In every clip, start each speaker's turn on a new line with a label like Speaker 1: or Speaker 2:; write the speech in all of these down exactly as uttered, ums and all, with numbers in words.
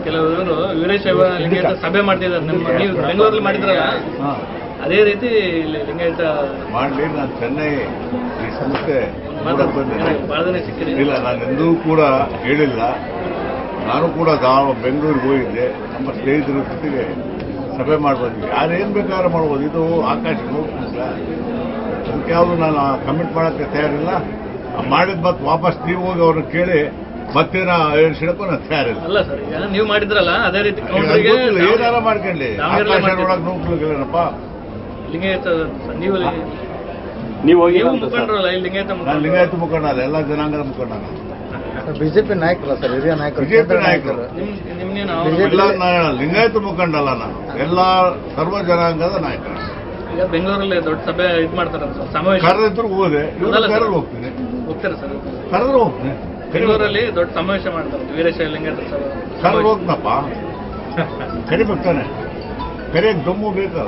Speaker 1: ಕೆಲವರು ವೀರಶೈವ ಲಿಂಗಾಯತ ಸಭೆ ಮಾಡ್ತಿದ್ದಾರೆ. ನಮ್ಮ ನೀವು ಬೆಂಗಳೂರಲ್ಲಿ ಮಾಡಿದ್ರಲ್ಲ ಅದೇ ರೀತಿ ಇಲ್ಲಿ ಲಿಂಗಾಯತ
Speaker 2: ಮಾಡಲಿ. ನಾನು ಚೆನ್ನೈ ಈ ಸಂಸ್ಥೆ
Speaker 1: ಬಹಳ ದಿನ ಸಿಕ್ಕಿದೆ.
Speaker 2: ಇಲ್ಲ, ನಾನು ಎಂದೂ ಕೂಡ ಹೇಳಿಲ್ಲ. ನಾನು ಕೂಡ ನಾವು ಬೆಂಗಳೂರಿಗೆ ಹೋಗಿದ್ದೆ, ನಮ್ಮ ಸ್ನೇಹಿತರ ಜೊತೆಗೆ ಸಭೆ ಮಾಡ್ಬೋದು. ಯಾರೇನು ಬೇಕಾದ್ರೆ ಮಾಡ್ಬೋದು. ಇದು ಆಕಾಶ ನೋಡ್ತಿಲ್ಲ, ಅದಕ್ಕೆ ಯಾವುದು ನಾನು ಕಮಿಟ್ ಮಾಡೋಕ್ಕೆ ತಯಾರಿಲ್ಲ. ಮಾಡಿದ ಮತ್ತೆ ವಾಪಸ್ ನೀವು ಹೋಗಿ ಅವ್ರನ್ನ ಕೇಳಿ ಮತ್ತೇನ ಹೇಳ್ಸಿಡಕ್ಕೂ ನಾನು ತಯಾರಿಲ್ಲ.
Speaker 1: ಅಲ್ಲ ಸರ್, ಈಗ ನೀವು ಮಾಡಿದ್ರಲ್ಲ ಅದೇ ರೀತಿ
Speaker 2: ಏನಾರ ಮಾಡ್ಕೊಳ್ಳಿ. ಆಕಾಶ ನೋಡಕ್ ನೋಡ್ಲಿಲ್ಲಪ್ಪ
Speaker 1: ಲಿಂಗಾಯತ ನೀವು
Speaker 3: ನೀವು ಹೋಗಿ
Speaker 1: ಮುಖಂಡ್ರಲ್ಲ ಇಲ್ಲಿ ಲಿಂಗಾಯತ
Speaker 2: ನಾನು ಲಿಂಗಾಯತ ಮುಖಂಡ ಅಲ್ಲ, ಎಲ್ಲ ಜನಾಂಗದ ಮುಖಂಡ.
Speaker 4: ಬಿಜೆಪಿ ನಾಯಕರು ಸರ್, ಹಿರಿಯ ನಾಯಕರು,
Speaker 2: ಬಿಜೆಪಿ ನಾಯಕರು.
Speaker 1: ನಿಮ್ಗೇನು
Speaker 2: ಲಿಂಗಾಯತ ಮುಖಂಡ ಅಲ್ಲ, ನಾನು ಎಲ್ಲ ಸರ್ವ ಜನಾಂಗದ ನಾಯಕರು.
Speaker 1: ಈಗ ಬೆಂಗಳೂರಲ್ಲಿ ದೊಡ್ಡ ಸಭೆ ಇದು ಮಾಡ್ತಾರೆ ಸಮಾವೇಶ.
Speaker 2: ಕರೆದಿದ್ರು ಹೋದೆ, ಕರೆದು ಹೋಗ್ತೀನಿ.
Speaker 1: ಹೋಗ್ತಾರೆ ಸರ್,
Speaker 2: ಕರೆದ್ರು ಹೋಗ್ತೀನಿ.
Speaker 1: ಬೆಂಗಳೂರಲ್ಲಿ ದೊಡ್ಡ ಸಮಾವೇಶ ಮಾಡ್ತಾರೆ ವೀರಶೈವ ಲಿಂಗಾಯತ ಸಭೆ.
Speaker 2: ಕರೆದು ಹೋಗ್ತಪ್ಪ, ಕರಿಬೇಕಾನೆ. ಕರಿಯಕ್ಕೆ ದಮ್ಮು ಬೇಕಲ್ಲ.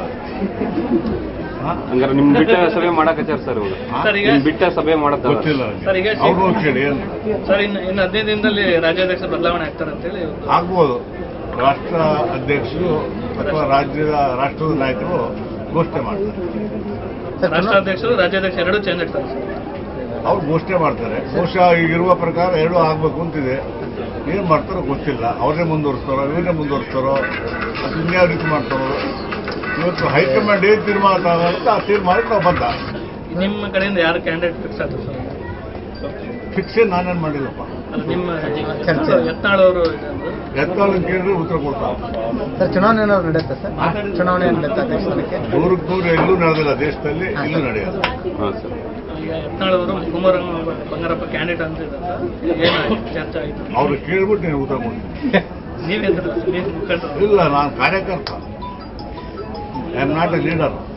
Speaker 3: ಹಂಗಾರೆ ನಿಮ್ ಬಿಟ್ಟ ಸಭೆ ಮಾಡಕತ್ತಾರ ಸರ್ ಇವಾಗ.
Speaker 1: ಸರ್ ಈಗ
Speaker 3: ಬಿಟ್ಟ ಸಭೆ ಮಾಡತ್ತ
Speaker 2: ಗೊತ್ತಿಲ್ಲ
Speaker 1: ಸರ್. ಈಗ
Speaker 2: ಅವ್ರು ಕೇಳಿ ಏನು
Speaker 1: ಸರ್ ಇನ್ನು ಇನ್ನು ಹದಿನೈದು ದಿನದಲ್ಲಿ ರಾಜ್ಯಾಧ್ಯಕ್ಷ ಬದಲಾವಣೆ ಆಗ್ತಾರೆ ಅಂತೇಳಿ
Speaker 2: ಆಗ್ಬೋದು. ರಾಷ್ಟ್ರ ಅಧ್ಯಕ್ಷರು ಅಥವಾ ರಾಜ್ಯದ ರಾಷ್ಟ್ರದ ನಾಯಕರು ಘೋಷಣೆ ಮಾಡ್ತಾರೆ.
Speaker 1: ರಾಷ್ಟ್ರಾಧ್ಯಕ್ಷರು ರಾಜ್ಯಾಧ್ಯಕ್ಷ ಎರಡೂ ಚೇಂಜ್ ಆಗ್ತಾರೆ ಸರ್.
Speaker 2: ಅವ್ರು ಘೋಷಣೆ ಮಾಡ್ತಾರೆ. ಬಹುಶಃ ಈಗಿರುವ ಪ್ರಕಾರ ಎರಡೂ ಆಗ್ಬೇಕು ಅಂತಿದೆ. ಏನು ಮಾಡ್ತಾರೋ ಗೊತ್ತಿಲ್ಲ. ಅವ್ರನ್ನೇ ಮುಂದುವರಿಸ್ತಾರೋ ಇವರನ್ನೇ ಮುಂದುವರಿಸ್ತಾರೋ ಅದು ಇನ್ಯಾವ ರೀತಿ ಮಾಡ್ತಾರೋ. ಇವತ್ತು ಹೈಕಮಾಂಡ್ ಏನು ತೀರ್ಮಾನ ತಗೊಳುತ್ತೆ ಆ ತೀರ್ಮಾನಕ್ಕೆ ನಾವು ಬಂದ.
Speaker 1: ನಿಮ್ಮ ಕಡೆಯಿಂದ ಯಾರು ಕ್ಯಾಂಡಿಡೇಟ್ ಫಿಕ್ಸ್ ಆದ್ರು ಸರ್?
Speaker 2: ಫಿಕ್ಸೇ ನಾನೇನು ಮಾಡಿಲ್ಲಪ್ಪ.
Speaker 1: ಅಲ್ಲ ನಿಮ್ಮ ಯತ್ನಾಳ್ ಅವರು
Speaker 2: ಎತ್ತಾಳ ಕೇಳಿದ್ರೆ ಉತ್ತರ ಕೊಡ್ತಾರೆ.
Speaker 4: ಸರ್ ಚುನಾವಣೆ ಏನಾದ್ರು ನಡೆಯುತ್ತೆ ಸರ್? ಚುನಾವಣೆ ನಡೆಯುತ್ತೆ ಅಧ್ಯಕ್ಷ ಸ್ಥಾನಕ್ಕೆ?
Speaker 2: ನೂರಕ್ಕೆ ನೂರು ಎಲ್ಲೂ ನಡೆದಿಲ್ಲ ದೇಶದಲ್ಲಿ, ಇಲ್ಲೂ ನಡೆಯೋದು.
Speaker 3: ಹಾಂ ಸರ್.
Speaker 1: ಈಗ ಯತ್ನಾಳ್ ಅವರು ಕುಮಾರ ಬಂಗಾರಪ್ಪ ಕ್ಯಾಂಡಿಡೇಟ್ ಅಂತ ಏನಾಯ್ತು ಚರ್ಚೆ ಆಯಿತು?
Speaker 2: ಅವ್ರು ಕೇಳ್ಬಿಟ್ಟು ನೀವು ಉತ್ತರ ಕೊಡ್ತೀನಿ.
Speaker 1: ನೀವೇಂದ್ರ ನೀವು ಮುಖಂಡರು?
Speaker 2: ಇಲ್ಲ, ನಾನು ಕಾರ್ಯಕರ್ತ. I am not a leader.